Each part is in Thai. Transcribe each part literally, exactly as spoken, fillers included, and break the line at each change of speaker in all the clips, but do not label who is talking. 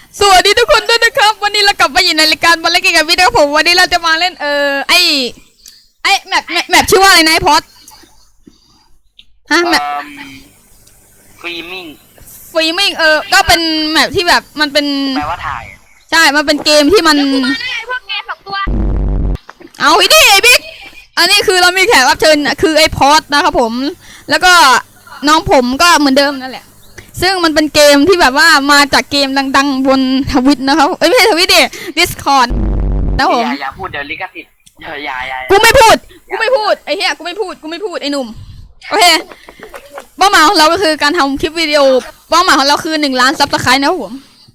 สวัสดีทุกคนด้วยนะครับวันนี้เรากลับมาอยู่ในรายการบอลเล่นเกมกับวิดีโอผมวันนี้เราจะมาเล่นเออไอไอแมปแมปชื่อว่าอะไรนะไอพอดฮะแมป
ฟรีมิ่ง
ฟรีมิ่งเออก็เป็นแมปที่แบบมันเป็น
แปลว่าถ่าย
ใช่มันเป็นเกมที่มัน
พวกแกสองตัว
เอาอีนี่ไอบิ๊กอันนี้คือเรามีแขกรับเชิญคือไอพอดนะครับผมแล้วก็น้องผมก็เหมือนเดิมนั่นแหละซึ่งมันเป็นเกมที่แบบว่ามาจากเกมดังๆบนทวิตนะครับเอ้ยไม่ใช่ทวิตดิ Discord นะผม
อย่าอย่าพูดเดี๋ยวลิขสิทธิ์อย่าอย่าอย่า
กูไม่พูดกูไม่พูดไอ้เหี้ยกูไม่พูดกูไม่พูดไอ้หนุ่มโอเคเป้าหมายของเราก็คือการทำคลิปวิดีโอเป้าหมายของเราคือหนึ่งล้านซับสไครต์นะครับผม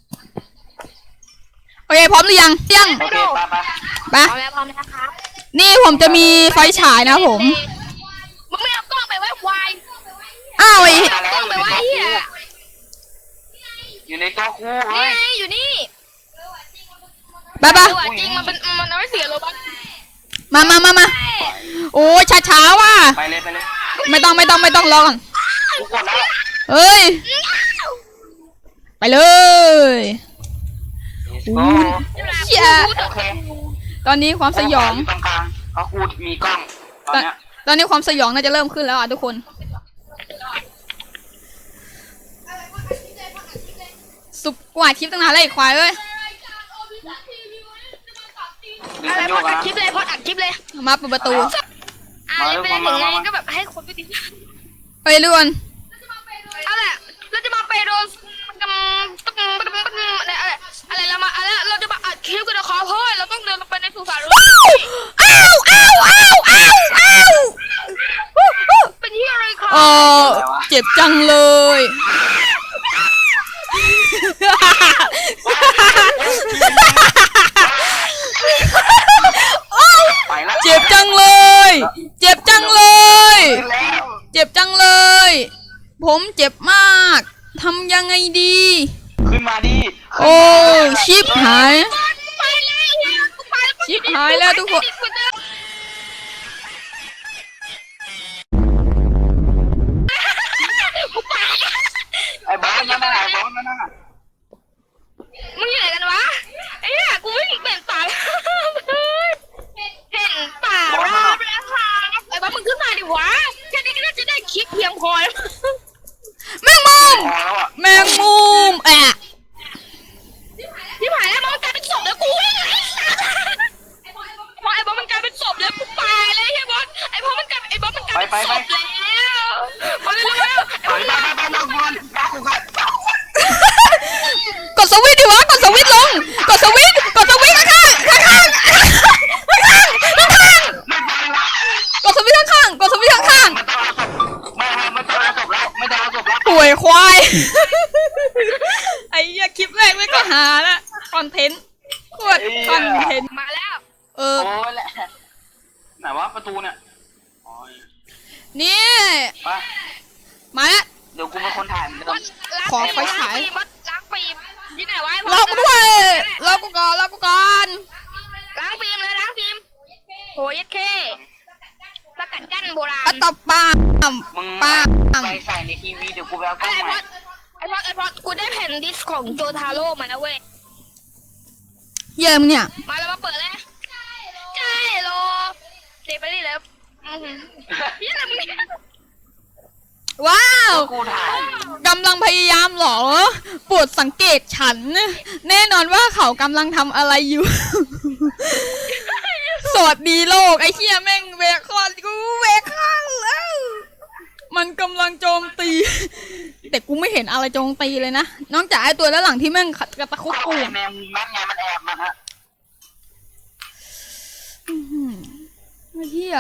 โอเคพร้อมหรือยังยัง
โอเคไปไป
ไป
พร้อมแล้วพร้อมแล้วครับ
นี่ผมจะมีไฟฉายนะผม
มึงไม่เอากล้องไปไว้ควาย
อ้าวไอ้
กล้องไปไว้เหี้ย
อยู่ในตัวคู่เฮ้
นี่
ย
อยู่นี่
ไปปะ
จริงมันเป็นมันเอาไว้เสียโลบัค
มามามามาโอ้ช้าช้าว่ะ
ไปเลยไปเลย
ไม่ต้องไม่ต้องไม่ต้องรอก่อน
กูกดแล้ว
เฮ้ยไปเลยอู้เชี่ยตอนนี้ความสยอง
ตรงกลางเพราะกูมีกล้องตอนเนี้ย
ตอนนี้ความสยองน่าจะเริ่มขึ้นแล้วอ่ะทุกคนสุกกว่าคลิปตั้งนานเลยควายเอ้ย
อะไรพออัดคลิปเลยพออัดคลิปเลย
มาเปิดประตู
อ่าไม่ได้ถึงไงก็แบบให้คนไปติด
ไปเรื่อน
เอาแหละเราจะมาไปโดนอะไรอะไรอะไรเรามาอะไรเราจะมาอัดคลิปกันนะขอเพราะเราต้องเดินลงไปในสุสาน
อ้าวอ้าวอ้าวอ้าวอ้าว
เป็นที่อะไรครับ
เออเจ็บจังเลยเจ็บจังเลยเจ็บจังเลยเจ็บจังเลยผมเจ็บมากทำยังไงดี
ขึ้นมาดิ
โอ้ชิบหายชิบหายแล้วทุกคน
ไอ้บอสนั่นน่ะไอ้บอสนั่นน่ะ
มึงอยู่ไหนกันวะไอ้เนี่ยกูวิ่งเป็นป่าเห็นป่าราบแล้วค่ะไอ้บ้ามึงขึ้นมาดิวะแค่นี้ก็น่าจะได้คลิปเพียงพอ
แมงมุมแมงมุมแอะ
ที่ผ่านแล้วมันกลายเป็นศพแล้วกูวิ่งไอ้สัสไอ้บอสไอ้บอสมันกลายเป็นศพแล้วกูตายเลยไอ้บอสไอ้บอสมันกลายไอ้บอสมันกลายเป็นศพแล้วพอเร็วเร็ว
ไปไปไปไปไป
กดสวิตช์ดิวะกดสวิตช์ลงกดสวิตช์กดสวิตช์ข้างข้างข้างข้างข้างข้างกดสวิตช์ข้างกดสวิตช์ข้างข้าง
ไม่ไม่ไม่ต้องจบแล้วไม่ต้องจบแล้ว
ป่วยควายไอ้เหี้ยคลิปแรกไม่ก็หาละคอนเทนต์โคตรคอนเทนต์
มาแล้ว
เออ
โอ้ยแหละไหนวะประตูเนี่ย
นี่มาแล้ว
เดี๋ยวกูเป็นคนถ่ายมัน
ขอไฟฉาย
ล้างฟิล์มที่ไหนวะ
ล็อกด้วยล็อกกูก่อนล็อกกูก่อน
ล้างฟิล์มเลยล้างฟิล์มโหยเคสกัดกั้นโบราณ
อะตบปาม
มึง
ปาม
ไปใส่ในทีวีเดี๋ยวกูไปเอากล้องใหม่
ไอ้พอไอ้พอกูได้แผ่นดิสของโจทาโร่มานะเว้ย
เยี่ยมเนี่ย
มาแล้วมาเปิดเลยใช่โลเจ็บไปดิแล้วนี่อะไรมึงเนี่ย
ว้าวกำลังพยายามหรอโปรดสังเกตฉันแน่นอนว่าเขากำลังทำอะไรอยู่สวัสดีโลกไอ้เหี้ยแม่งเวคอนกูเวคอนแล้วมันกำลังโจมตีแต่กูไม่เห็นอะไรโจมตีเลยนะนอกจากไอ้ตัวด้านหลังที่แม่งขัดกระตะคุกกู
แมงมันไงมันแอบมาฮะ
ไอ้เหี้ย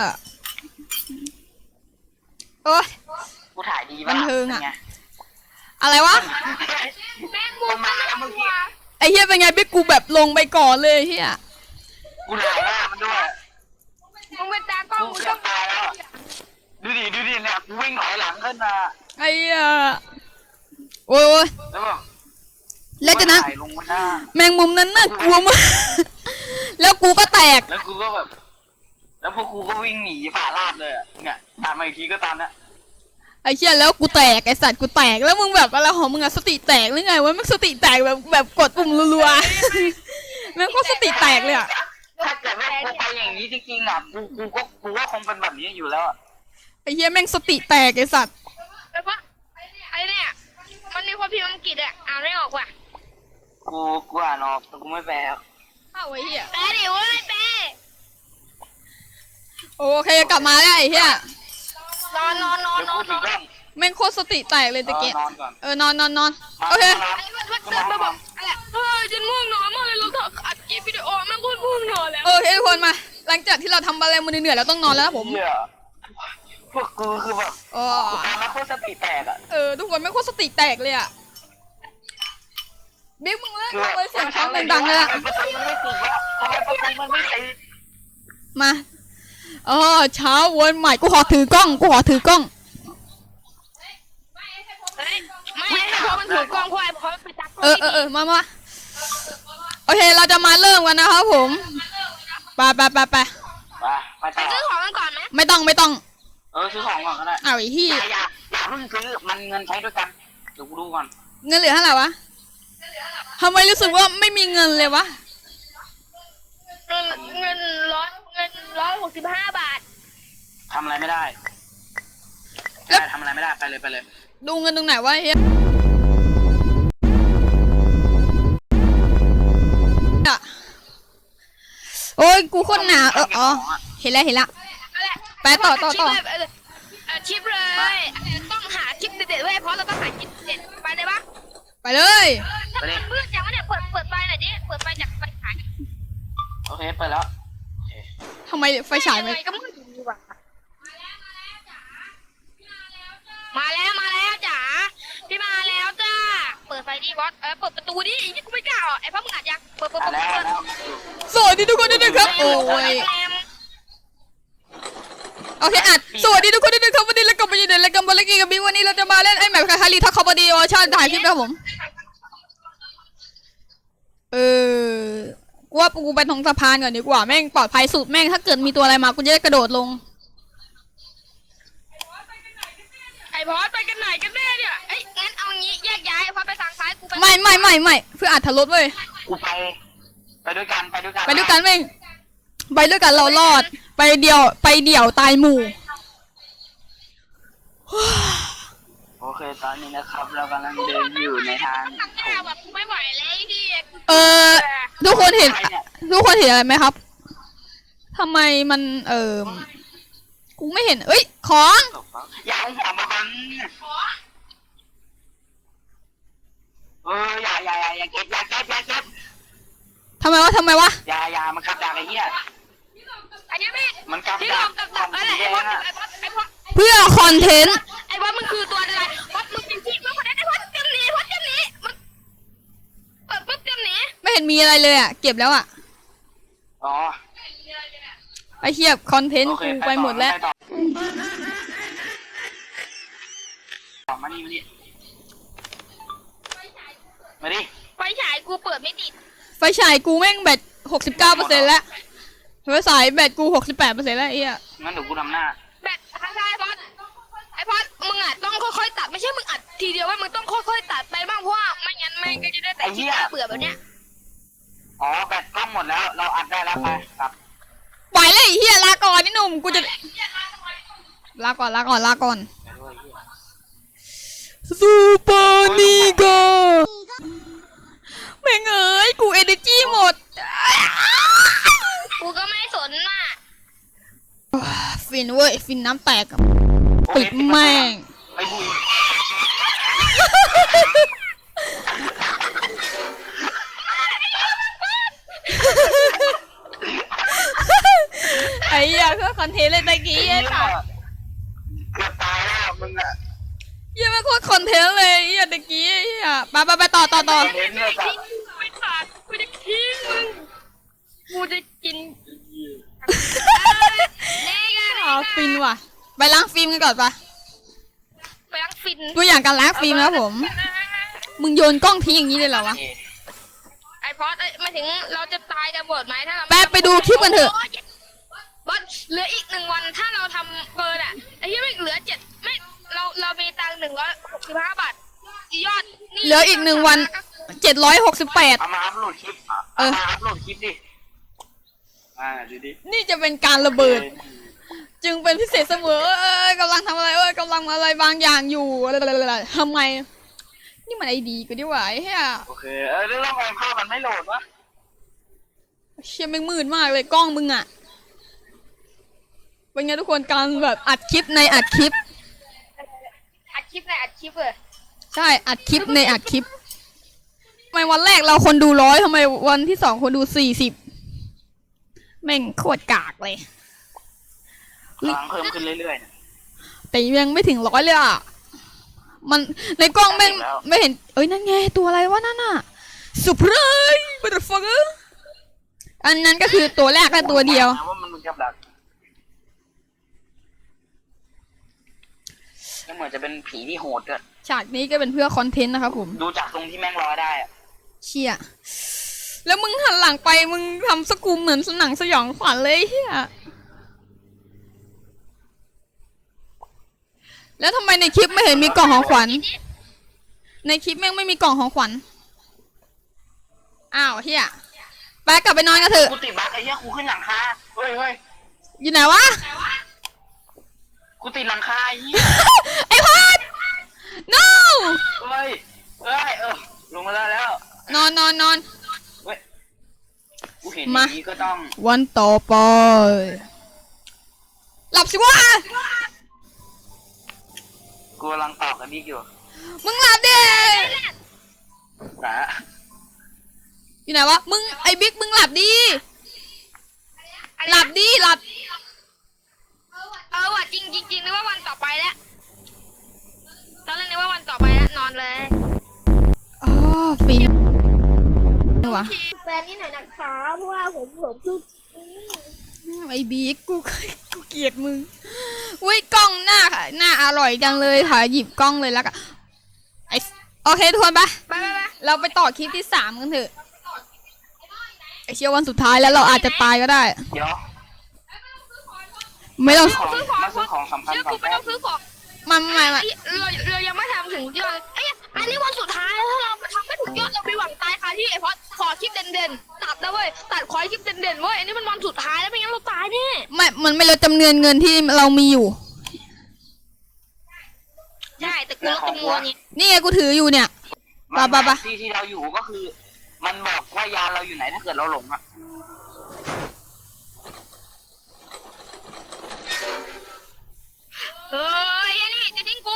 โอ้ย
กูถ่ายดี
บันเทิงอะอะไรวะ
แม่งมุมมาแล้วมึง
ไอ้เหี้ยเป็นไงบิ๊กกูแบบลงไปก่อนเลยเหี้ย
กูถ่ายหน้ามันด้วย
มึงเป็นตากล้อง
กูเกือบตายแล้วดูดิดูดิเนี่ยกูวิ่งถอยหลังขึ้นมา
ไอ้เหี้ยโอ้ยแล้วจากนั้นแมงมุมนั้นน่ากลัวมากแล้วกูก็แตก
แล้วกูก็แบบแล้วพวกกูก็วิ่งหนีฝ่าลาดเลยอ่ะเนี่ยตามมาอีกทีก็ตามนะ
ไอ้เหี้ยแล้วกูแตกไอ้สัตว์กูแตกแล้วมึงแบบอะไรของมึงอะสติแตกหรือไงวะแม่งสติแตกแบบแบบกดปุ่มรัวๆแม่งก็สติแตกเลยอะ
ถ้าเกิดว่ากูไปอย่างนี้จริงๆอ่ะกูกูก็กูก็คงเป็นแบบนี้อยู่แล้วอะ
ไอ้เหี้ยแม่งสติแตกไอ้สัตว์
ไอ้พอดไอ้เนี่ยมันมีคนพิมพ์อังกฤษอะอ่านไม่ออกว่ะ
กูกูอ่านออกแต่กูไม่แปล
เข้าไอ้เหี้ย
แปลดิเว้ยแปล
โอเคกลับมาแล้วไอ้เหี้ย
นอนนอนนอน
เดี๋ยวน
อ
กู
นน
ถึ
อง น
เรื่อง
แม่งโคตรสติแตกเลยตะเกีย
นอนก่อน
เออนอนนอนนอนโอเค
ไอ้พอดพอดเดินมาบอกอะไรเฮ้ยฉันง่วงนอนมากเลยเราถ่ายอัดคลิปวิดีโอแม่งโคตรง่วงนอนแล้ว
โอเคทุกคนมา หลังจากที่เราทำอะไรมาเหนื่อยๆแล้วต้องนอนแล้วนะผม
เหี้ยพวกกูคือแบบ
อ๋อ
กูทำแล้วโคตรสติแตกอ่ะ
เออทุกคนแม่งโคตรสติแตกเลยอะบิ๊กมึงเลิกทำเลยเสียงช้างดังๆเลยอะ
ทำไมประตูมันไม่ติดวะทำไมประตูมันไม่ติด
มาเออเช้าวันใหม่กูขอถือกล้องกูขอถือกล้อง
เฮ้ยไม่ให้พอมันถือกล้องควายพอไปตัก
เออเออเออมามาโอเคเราจะมาเริ่มกันนะครับผมไปไปไปไป
ไปไป
ไป
ต่อ
ซื้อของกันก่อนไหม
ไม่ต้องไม่ต้อง
เออซื้อของก่อนก็ได้
เอาไอ้ที่
อย่าอย่าอย่าเพิ่งซื้อมันเงินใช้ด้วยกันเดี๋ยวกูดูก่อน
เงินเหลือเท่าไหร่วะทำไมรู้สึกว่าไม่มีเงินเลยวะ
เงินเงินร้อยเงินร้อยหกสิบห้าบาท
ทำอะไรไม่ได้ได้ทำอะไรไม่ได้ไปเลยไปเลย
ดูเงินตรงไหนวะเฮียอะโอ้ยกูโคนหนาเอออ๋อเห็นแล้วเห็นแล้ว
อะไร
ไปต่อต่อต่อ
ชิปเลยเออชิปเลยต้องหาชิปเด็ดๆไว้เพราะเราต้องหาชิปเด็ดไปเลยปะ
ไปเลย
ถ้าเปิดเพื่อนอย่างว่าเนี่ยเปิดเปิดไฟหน่อยดิเปิดไฟจากไฟฉาย
โอเคเปิดแล้วโอเค
ทำไมไฟฉาย
ไม่
ไม่
ก็มืดอยู่ว่ะมาแล้วมาแล้วจ๋าพี่มาแล้วจ้าเปิดไฟดิบอสเออเปิดประตูดิไอ้กูไม่กล้าอ่ะไอ้พ่อมึงอัดยังเปิดเปิด
อ่ะ
เปิด
แล้ว
เปิด
แล้ว
สวัสดีทุกคนด้วยนะครับโอ้ยโอเคอัดสวัสดีทุกคนด้วยนะครับวันนี้เรากลับมาอยู่ในรายการบอลเลกี้กับบิ๊กวันนี้เราจะมาเล่นไอ้แมปคาคารีทักคอมบดีออชั่นถ่ายคลิปนะครับผมเออกูว่ากูไปตรงสะพานก่อนดีกว่าแม่งปลอดภัยสุดแม่งถ้าเกิดมีตัวอะไรมากูจะได้กระโดดลง
ไอ้บอสไปกันไหนกันแน่เนี่ยเอ้ยงั้นเอางี้แยกย้ายพอไปทางซ้ายกูไป
ไม่ไม่ไม่ไม่เพื่ออัดทะลุเว้ย
กูไปไปด้วยกันไปด้วยกัน
ไปด้วยกันแม่งไปด้วยกันเรารอด ไปเดียวไปเดี่ยวตายหมู่
โอเคตอนนี้นะครับเรากำลังเดินอยู่ในทาง
ข้างหน้าแบบกูไม่ไหวแล้วไอ้ที่
เออทุกคนเห็น ทุกคนเห็นอะไรไหมครับทำไมมันเออกูไม่เห็นเอ้ยของ
อย่าอย่ามาบังเอออย่าอย่าอย่าอย่าเก็บอย่าเก็บอย่าเก็บ
ทำไมวะทำไมวะ
อย่าอย่ามันขับจากไอ้เหี้ย
อันนี้ไม่
มันขับ
ที่
จา
เรา
ก
กับ
ข
กั
อบ ง
อะไร
สีแด
ไอ้บอส
งอ่ะ
ไอ้บอสไอ้บอส
เพื่อคอนเทนต์
ไอ้บอสมันคือตัวอะไรบอสมึงเป็นที่มึงคนนั้นไอ้บอสเตรียมหนีบอสเตรียมหนีมันเปิดปุ๊บเตรียมหนี
ไม่เห็นมีอะไรเลยอ่ะเก็บแล้วอ่ะ
อ๋อ
ไอเทียบคอนเทนต์
โอเค
กูไปหมดแล้ว
ต่อต่อมานี่มานี่มาดิ
ไฟฉายกูเปิดไม่ติด
ไฟฉายกูแม่งแบตหกสิบเก้าเปอร์เซ็นต์แล้วไฟฉายแบตกูหกสิบแปดเปอร์เซ็นต์แล้วไอ้เหี้ย
งั้นเดี๋ยวกูทำหน้า
แบตข้างซ้ายบอสไอ้บอสมึงอ่ะต้องค่อยๆตัดไม่ใช่มึงอัดทีเดียวว่ามึงต้องค่อยๆตัดไปบ้างเพราะว่าไม่งั้นแม่งก็จะได้แต่ที่น่าเบื่อแบบเนี้ย
อ๋อแบตกล้องหมดแล้ว เราอัดได้แล้วไปครับ
ปล่อยเลยไอ้เหี้ยลาก่อนนี่หนุ่มกูจะลาก่อนลาก่อนลาก่อน
ไปด้วยเหี้ย
ซูเปอร์นีโกแม่งเอ้ยกูเอเนจีหมด
กูก็ไม่สนน่ะ
ฟินเว้ยฟินน้ำแตก
โอเค
ปิดแม่ง
ไปบุย
ไอ้เหี้ยเพื่อคอนเทนต์เลยตะกี้ไอ้สัส
เกือบตายแล้วมึงอะ
เหี้ยมันโคตรคอนเทนต์เลยไอ้เหี้ยตะกี้ไอ้เหี้ยไปไปไปต่อต่อต่อ
เห็นเลยจ้ะ
ไม่ขาดกูจะทิ้งมึงกูจะกินเน่กัน
อ๋อฟินว่ะไปล้างฟิล์มกันก่อนปะ
ไปล้างฟิน
ตัวอย่างการล้างฟิล์มนะครับผม มึงโยนกล้องทิ้งอย่างนี้เลยเหรอวะ
ไอพอดมาถึงเราจะตายกันหมดไหมถ้าเรา
แป๊บไปดูคลิปกันเถอะ
บอสเหลืออีกหนึ่งวันถ้าเราทำเกินอ่ะไอ้ที่ไม่เหลือเจ็ดไม่เราเรามีตังค์หนึ่งร้อยหกสิบห้าบาทยอด
เหลืออีกหนึ่งวันเจ็ดร้อยหกสิบแปด
เอามาอัพโหลดคลิป
เออ
เอามาอัพโหลดคลิปดิอ่าดูดิ
นี่จะเป็นการระเบิด จึงเป็นพิเศษเสมอเอ้ยกำลังทำอะไรเอ้ยกำลังอะไรบางอย่างอยู่อะไรๆๆทำไม นี่มันไอดีกูดีกว่าไอ้เหี้ย
โอเคเออแล้วทำไมภาพมันไม่โหลดวะ
เชี่ยแม่งมืดมากเลยกล้องมึงอะเป็นไงทุกคนการแบบอัดคลิปในอัดคลิป
อัดคลิปในอัดคลิปเลย
ใช่อัดคลิปในอัดคลิปทำไมวันแรกเราคนดูร้อยทำไมวันที่สองคนดูสี่สิบแม่งโคตรกากเลย
กำลังเพิ่มขึ้นเรื่อยๆเนี่ย
แต่ยังไม่ถึงร้อยเลยอ่ะมันในกล้องแม่งไม่เห็นเอ้ยนั่นไงตัวอะไรวะนั่นน่ะสุพรายบัตเตอร์ฟังอันนั้นก็คือตัวแรกและตัวเดียว
ว่ามันกับดักก็เหมือนจะเป็นผีที่โหดด้วย
ฉากนี้ก็เป็นเพื่อคอนเทนต์นะครับผม
ดูจากตรงที่แม่งร้อยได้อะ
เชี่ยแล้วมึงหันหลังไปมึงทำสกูมเหมือนหนังสยองขวัญเลยเฮียแล้วทำไมในคลิปไม่เห็นมีกล่องของขวัญในคลิปแม่งไม่มีกล่องของขวัญอ้าวเฮียไปกลับไปนอนกันเถอะ
กูติดบั๊กไอ้เหี้ยกูขึ้นหลังคาเฮ้ยเฮ้ย
อยู่ไหนวะ
กูติดหลังคาไอ้เหี้ย
ไอ้พอด no
เฮ้ยเฮ้ยเออลงมาแล้วแล้ว
นอนนอนนอน
เฮ้ยกูเห็นอย่างนี้ก็ต้อง
วันต่อไปหลับสิวะ
กูกำลังตอบกันบิ๊กอยู่
มึงหลับดิ
นะ
อยู่ไหนวะมึงไอ้บิ๊กมึงหลับดิหลับดิหลับ
เออว่ะจริงจริงจริงนึกว่าวันต่อไปแล้วตอนแรกนึกว่าวันต่อไปแล้วนอนเลย
อ๋อฟินวะ
แฟนนี่หน่อยนะคะเพราะว่าผมผมคือ
ไอ้บิ๊กกูกูเกลียดมึงอุ้ยกล้องหน้าค่ะหน้าอร่อยจังเลยค่ะหยิบกล้องเลยแล้วกันไอโอเคทุกคนปะ
ไปไปไป
เราไปต่อคลิปที่สามกันเถอะไอเชื่อวันสุดท้ายแล้วเราอาจจะตายก็ได้
เดี๋ยว
ไม่ต้อง
ของมาซื้อของสำคัญ
เชื่อ
ก่อ
กู
น
ไม่
แป๊
ต้
บ
องซื้อของ
มาไม่ไม่
ไอ้เราเรายังไม่ทำถึงยอดไอ้ยอันนี้วันสุดท้ายแล้วถ้าเราทำไม่ถึงยอดเราไปหวังตายค่ะที่ไอ้พอดขอคลิปเด่นๆตัดนะเว้ยตัดขอคลิปเด่นๆเว้ยอันนี้มันวันสุดท้ายแล้วไม่งั้นเราตายแน่
ไม่มันไม่ลดจำนวนเงินที่เรามีอยู่
ใช่แต่กูลดจำนวนนี้
นี่ไงกูถืออยู่เนี่ย
มัน
ปะปะ
ที่ที่เราอยู่ก็คือ มันบอกว่ายานเราอยู่ไหนถ้าเกิดเราหลงอ่ะ
เฮ้ยไอ้นี่จะทิ้งกู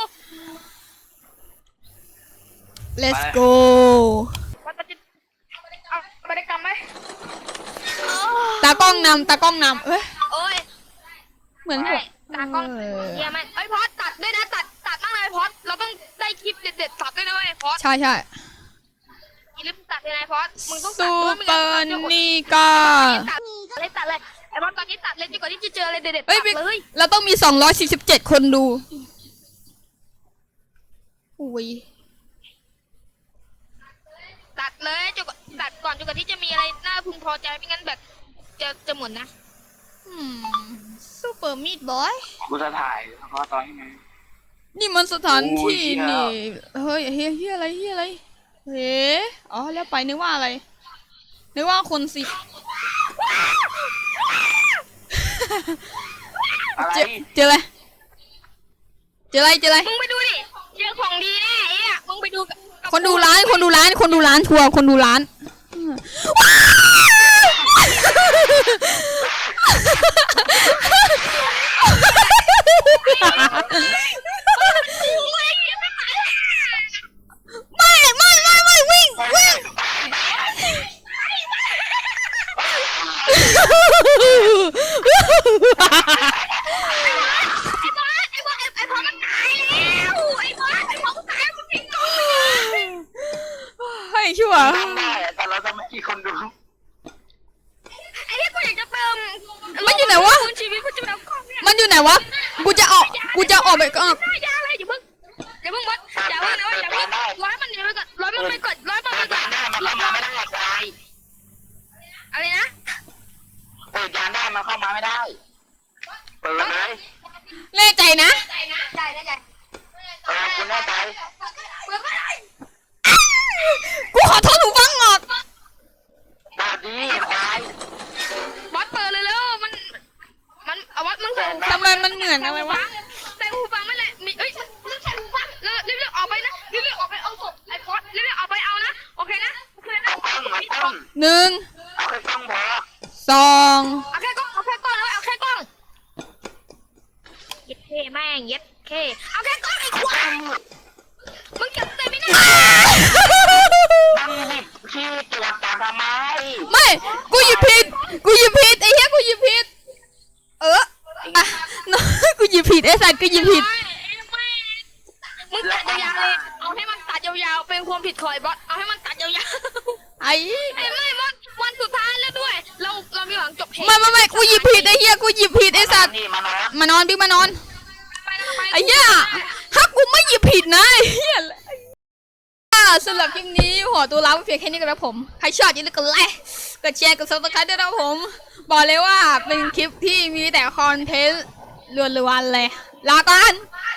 let's go
มันจะเอาบริกรรมไหม
ตากล้องนำตากล้องนำเอ้ย
โอ้ย
เหมือน
ใช่
ผม
ตากล้อง
เออ
เยี่ยมไหมไอ้ยพอดตัดด้วยนะตัดตัดมากเลยพอดเราต้องได้คลิปเด็ดๆตัดด้วยนะเว้ยพอด
ใช่ใช่
อย่าลืมตัดเลยนะพอดมึงต้องตั
ซู
ดด้วยไม่
เปอ
งั้น
ร์
จะอด
นิก้า
ตัดเลยตัดเลยไอ้พอดตอนนี้ตัดเลยดีกว่าที่จะเจออะไรเด็ดๆ
เฮ้ย
ตัดเลย
เราต้องมีสองร้อยสี่สิบเจ็ดคนดูอุ้ย
ตัดเลยจนกว่าตัดก่อนจนกว่าที่จะมีอะไรน่าพึงพอใจไม่งั้นแบบจะจะหมุนนะ
ซูเปอร์มีดบอย
กูจะถ่ายเฉพาะตอนที่มัน
นี่มันสถานที่
โอ้ยเหี้ย
นี่เฮ้ยเฮ้ยเฮ้ยอะไรเฮ้ยอะไรเฮ้อ๋อแล้วไปนึกว่าอะไรนึกว่าคนสิ
อะไร
เจอเจออะไรเจออะไรเจออะไร
มึงไปดูดิเจอของดีแน่ไอ้อะมึงไปดูกับกับ
คนดูร้านคนดูร้านคนดูร้านทัวร์คนดูร้านไม่ไม่ไม่ไม่วิ่งวิ่ง
ไอ้บอสไอ้บอสไอ้บอสมันตายแล้วไอ้บอสไอ้บอสมันตายมันทิ้งกล้องไปเลย
ให้ชั่ว
ทำได้อะแต่เราจะไม่มีคนดู
ไอ้ที่กูอยากจะเติม
มันอยู่ไหนวะ
คุณชีวิตกูจะเอากล้องเนี่ย
มันอยู่ไหนวะกูจะออกกูจะออกไปก็
ได้ยาเลยอย่าเพิ่งอย่าเพิ่งบอสอย่าเพิ่งนะอย่าเพิ่งร้อยมันหนีไปก่อนร้อยมันไปก่อนร้อยมัน
เปิ
ไป
ด
ก่อย
าน นได้มันเข้ามาไม่ได้ตาย
อะไรนะ
เปิดยานได้มันเข้ามาไม่ได้ เปิดเลย
แน่ใจนะ
ได้ได้ได้
เออกูแน่ใจ
เปิดไม่ได้
กูขอโทษหูฟังออก
บาดีควาย
บอสเปิดเลยแล้วมันมันเอาบอสมึงใส่หูฟัง
ทำไมมันเหมือนอะไรวะ
ใส่หูฟังไม่เลยมีเอ้ยมึงใส่หูฟังเรีบๆออกไปนะรีบๆออกไปเอาศพไอ้บอสรีบๆออกไปเอานะโอเคนะโอเคนะ
เอากล้องเอากล้อง
หนึ่ง
เอาแค่กล้องพอ
สอง
เอาแค่กล้องเอาแค่กล้องแล้วเอาแค่กล้องเย็ดเคแม่งเย็ดเคเอาแค่กล้องไอ้ควายมึงจับเต็มไม่ได้
นั่งหยิบขี้ตรวจตาทำไม
ไม่กูหยิบผิดกูหยิบผิดไอ้เหี้ยกูหยิบผิดเอออ่ะ น้องกูหยิบผิดไอ้สัตว์กูหยิบผิด
มึงตัดยาวๆเลยเอาให้มันตัดยาวๆเป็นความผิดของไอ้บอสเอาให้มันตัดยาว
ไอ้
ๆไอ้ไม่บอสวันสุดท้ายแล้วด้วย เราเรามีหวังจบเพลง
ไม่ไม่ไม่กูหยิบผิดไอ้เหี้ยกูหยิบผิดไอ้สัตว์
นี่มานอน
มานอนบิ๊กมานอน
ไปนะไปนะ
ไอ้เหี้ยถ้ากูไม่หยิบผิดนะไอ้เหี้ยอ่าสำหรับคลิปนี้ขอตัวลาไปเพียงแค่นี้กันแล้วผมใครชอบอย่าลืมกดไลค์กดแชร์กดซับสไครต์ด้วยนะผม บอกเลยว่าเป็นคลิปที่มีแต่คอนเทนต์ล้วนๆเลยลาก่อน